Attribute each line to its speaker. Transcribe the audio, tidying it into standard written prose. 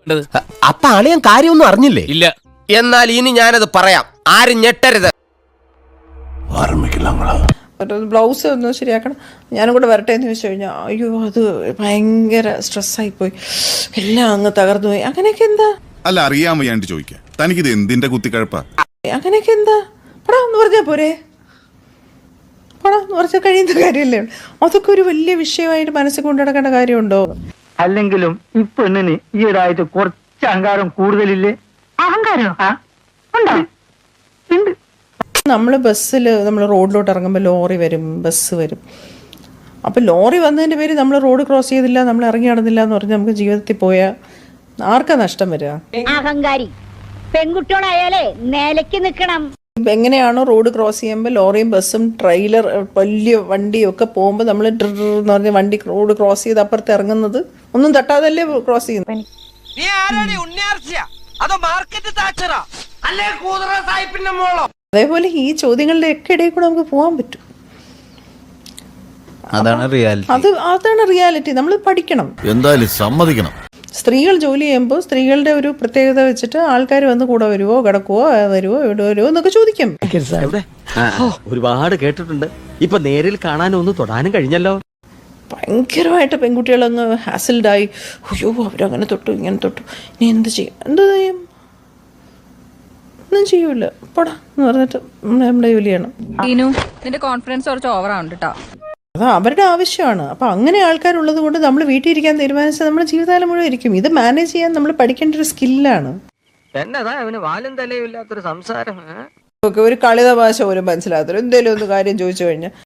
Speaker 1: അപ്പൊ അളിയൻ കാര്യമൊന്നും അറിഞ്ഞില്ലേ?
Speaker 2: ഇല്ല.
Speaker 1: എന്നാൽ ഇനി ഞാനത് പറയാം, ആരും ഞെട്ടരുത്.
Speaker 3: ബ്ലൗസ് ഒന്ന് ശരിയാക്കണം, ഞാനും കൂടെ വരട്ടെ എന്ന് ചോദിച്ചു കഴിഞ്ഞാൽ അയ്യോ അത് ഭയങ്കര സ്ട്രെസ്സായിപ്പോയി, എല്ലാം അങ്ങ് തകർന്നു പോയി. അങ്ങനെയൊക്കെ എന്താ?
Speaker 4: അല്ല, അറിയാൻ വയ്യാണ്ട് ചോദിക്കാം, തനിക്കിത് എന്തിന്റെ കുത്തിക്കഴപ്പാ?
Speaker 3: അങ്ങനെയൊക്കെ എന്താ? പടാ എന്ന് പറഞ്ഞാൽ പോരെ, പടാ എന്ന് പറഞ്ഞാൽ കഴിയുന്ന കാര്യമല്ലേ? അതൊക്കെ ഒരു വലിയ വിഷയമായിട്ട് മനസ്സിൽ കൊണ്ടു നടക്കേണ്ട കാര്യമുണ്ടോ?
Speaker 5: അല്ലെങ്കിലും ഈ പെണ്ണിന് ഈയിടായിട്ട് കുറച്ച് അഹങ്കാരം കൂടുതലില്ലേ? അഹങ്കാരം
Speaker 3: നമ്മൾ ബസ്സിൽ നമ്മൾ റോഡിലോട്ട് ഇറങ്ങുമ്പോൾ ലോറി വരും, ബസ് വരും. അപ്പം ലോറി വന്നതിൻ്റെ പേര് നമ്മൾ റോഡ് ക്രോസ് ചെയ്തില്ല, നമ്മൾ ഇറങ്ങി നടന്നില്ല എന്ന് പറഞ്ഞാൽ നമുക്ക് ജീവിതത്തിൽ പോയാൽ ആർക്കാ നഷ്ടം വരിക?
Speaker 6: അഹങ്കാരി പെൺകുട്ടികളായാലേ നിലയ്ക്ക് നിൽക്കണം.
Speaker 3: എങ്ങനെയാണോ റോഡ് ക്രോസ് ചെയ്യുമ്പോൾ ലോറിയും ബസ്സും ട്രെയിലർ വലിയ വണ്ടിയും ഒക്കെ പോകുമ്പോൾ നമ്മൾ എന്ന് പറഞ്ഞ വണ്ടി റോഡ് ക്രോസ് ചെയ്ത് അപ്പുറത്ത് ഇറങ്ങുന്നത് ഒന്നും തട്ടാതല്ലേ ക്രോസ് ചെയ്യുന്നത്? അതേപോലെ ഈ ചോദ്യങ്ങളുടെ ഒക്കെ ഇടയിൽ കൂടെ നമുക്ക് പോകാൻ പറ്റും.
Speaker 7: അതാണ്
Speaker 3: റിയാലിറ്റി. നമ്മൾ പഠിക്കണം,
Speaker 7: എന്തായാലും സമ്മതിക്കണം.
Speaker 3: സ്ത്രീകൾ ജോലി ചെയ്യുമ്പോൾ സ്ത്രീകളുടെ ഒരു പ്രത്യേകത വെച്ചിട്ട് ആൾക്കാർ വന്ന് കൂടെ വരുവോ, കിടക്കുവോ, വരുവോ, ഇവിടെ വരുവോ എന്നൊക്കെ ചോദിക്കും.
Speaker 1: ഒരുപാട് കേട്ടിട്ടുണ്ട്. ഇപ്പൊ നേരിൽ കാണാനും ഒന്ന് തൊടാനും കഴിഞ്ഞല്ലോ.
Speaker 3: ഭയങ്കരമായിട്ട് പെൺകുട്ടികളങ്ങ് ഹാസിൽഡായി, അയ്യോ അവരങ്ങനെ തൊട്ടു ഇങ്ങനെ തൊട്ടു, ഇനി എന്ത് ചെയ്യും? ഒന്നും ചെയ്യൂല, പോടാ എന്ന് പറഞ്ഞിട്ട് നമ്മുടെ ജോലിയാണ്.
Speaker 8: നിന്റെ കോൺഫിഡൻസ് കുറച്ച് ഓവറാണ് കേട്ടോ.
Speaker 3: അത് അവരുടെ ആവശ്യമാണ്. അപ്പം അങ്ങനെ ആൾക്കാരുള്ളത് കൊണ്ട് നമ്മൾ വീട്ടിൽ ഇരിക്കാൻ തീരുമാനിച്ചാൽ നമ്മുടെ ജീവിതകാലം മുഴുവൻ ഇരിക്കും. ഇത് മാനേജ് ചെയ്യാൻ നമ്മൾ പഠിക്കേണ്ട ഒരു സ്കില്ലാണ്.
Speaker 5: എന്നതാ അവന് വാലും തലയും ഇല്ലാത്തൊരു സംസാരം.
Speaker 3: ഒരു കളിത ഭാഷ പോലും മനസ്സിലാകത്തില്ല. എന്തെങ്കിലും ഒന്ന് കാര്യം ചോദിച്ചു കഴിഞ്ഞാൽ